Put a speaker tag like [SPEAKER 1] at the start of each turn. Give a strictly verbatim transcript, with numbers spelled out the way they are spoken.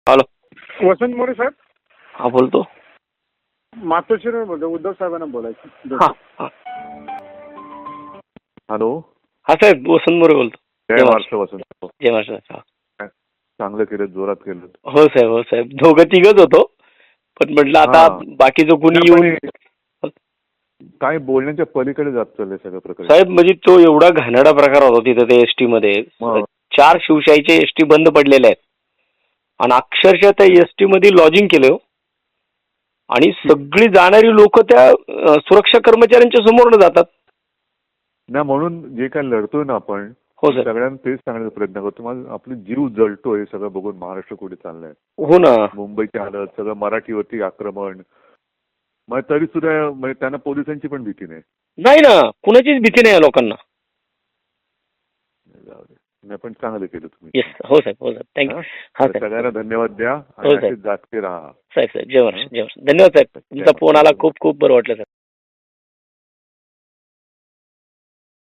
[SPEAKER 1] Hello,
[SPEAKER 2] वसंत मोरे साहेब.
[SPEAKER 1] हा बोलतो.
[SPEAKER 2] मातोश्रीवर बोलतो. उद्धव साहेबांना बोलायचं.
[SPEAKER 1] हा हा
[SPEAKER 3] हॅलो.
[SPEAKER 1] हा साहेब, वसंत मोरे बोलतो.
[SPEAKER 3] जय महाराष्ट्र वसंत.
[SPEAKER 1] जय महाराष्ट्र. हा.
[SPEAKER 3] चांगलं केलं, जोरात केलं.
[SPEAKER 1] हो साहेब, हो साहेब, दोघं तिघच होतो, पण म्हटलं आता बाकीचं कुणी येऊन
[SPEAKER 3] काय बोलण्याच्या पलीकडे जात चाललंय सगळं प्रकार
[SPEAKER 1] साहेब. म्हणजे तो एवढा घाणेरडा प्रकार होता तिथे ते एसटी मध्ये. चार शिवशाहीचे एसटी बंद पडलेले आहेत आणि अक्षरशः त्या एसटी मध्ये लॉजिंग केलं आणि सगळी जाणारी लोक त्या सुरक्षा कर्मचाऱ्यांच्या समोरनं जातात
[SPEAKER 3] ना. म्हणून जे काय लढतोय ना आपण,
[SPEAKER 1] हो सर,
[SPEAKER 3] सगळ्यांना तेच सांगण्याचा प्रयत्न करतो. माझा आपली जीव जळतोय सगळं बघून. महाराष्ट्र कुठे चाललाय.
[SPEAKER 1] हो ना.
[SPEAKER 3] मुंबईची हालत, सगळं मराठीवरती आक्रमण. मग तरी सुद्धा म्हणजे त्यांना पोलिसांची पण भीती नाही.
[SPEAKER 1] नाही ना, कुणाचीच भीती नाही लोकांना.
[SPEAKER 3] नाही, पण चांगलं केलं तुम्ही.
[SPEAKER 1] येस. हो साहेब, हो साहेब, थँक्यू. हा साहेब,
[SPEAKER 3] सगळ्यांना धन्यवाद द्या
[SPEAKER 1] हो
[SPEAKER 3] आणि
[SPEAKER 1] साहेब.
[SPEAKER 3] जागते राहा
[SPEAKER 1] साहेब साहेब, जय महाराष्ट्र, जय महाराष्ट्र. धन्यवाद साहेब, तुमचा फोन आला, खूप खूप बरं वाटलं साहेब.